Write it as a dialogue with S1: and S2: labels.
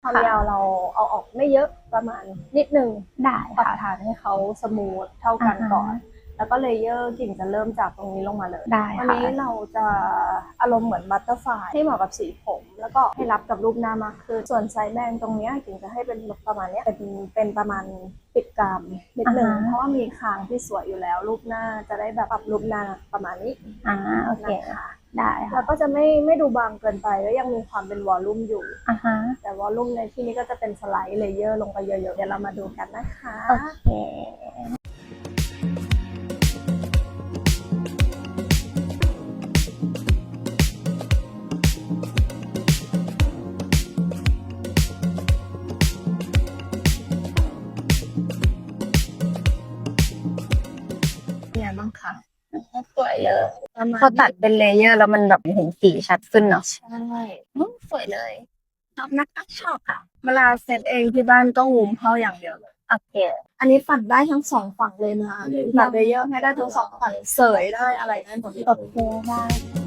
S1: ความยาวเราเอาออกไม่เยอะประมาณนิดนึง
S2: ได้
S1: ปรับ
S2: ค่ะ
S1: ฐานให้เขาสมูทเท่ากันก่อน แล้วก็เลเยอร์กิ่งจะเริ่มจากตรงนี้ลงมาเลย
S2: ได้
S1: วัน
S2: ค่ะ
S1: นี้เราจะอารมณ์เหมือนบัตเตอร์ฟลายให้เหมาะกับสีผมแล้วก็ให้รับกับรูปหน้ามากขึ้นส่วนไซส์แบนตรงนี้กิ่งจะให้เป็นประมาณนี้เป็นประมาณปิดกรามนิดนึงเพราะว่ามีคางที่สวยอยู่แล้วรูปหน้าจะได้แบบปรับรูปหน้าประมาณนี้
S2: โอเค
S1: นะคะ
S2: ได้ค่ะ
S1: แล้วก็จะไม่ดูบางเกินไปแล้วยังมีความเป็นวอลลุ่มอยู่แต่วอลลุ่มในที่นี้ก็จะเป็นสไลด์เลเยอร์ลงไปเยอะๆเดี๋ยวเรามาดูกันนะคะ
S2: โอเค
S1: เนี่ยบ้างค่ะ
S2: สวยเลยพอตัดเป็นเลเยอร์แล้วมันแบบเห็นสีชัดขึ้นเนาะ
S1: ใช่
S2: สวยเลย
S1: ชอบนะคะชอบค่ะเวลาเซตเองที่บ้านก็งุมเข้าอย่างเดียวเลย
S2: โอเค
S1: อันนี้ฝันได้ทั้งสองฝั่งเลยนะตัดเลเยอร์ให้ได้ทั้งสองฝั่งเสยได้อะไรได้หมด
S2: โอเคได้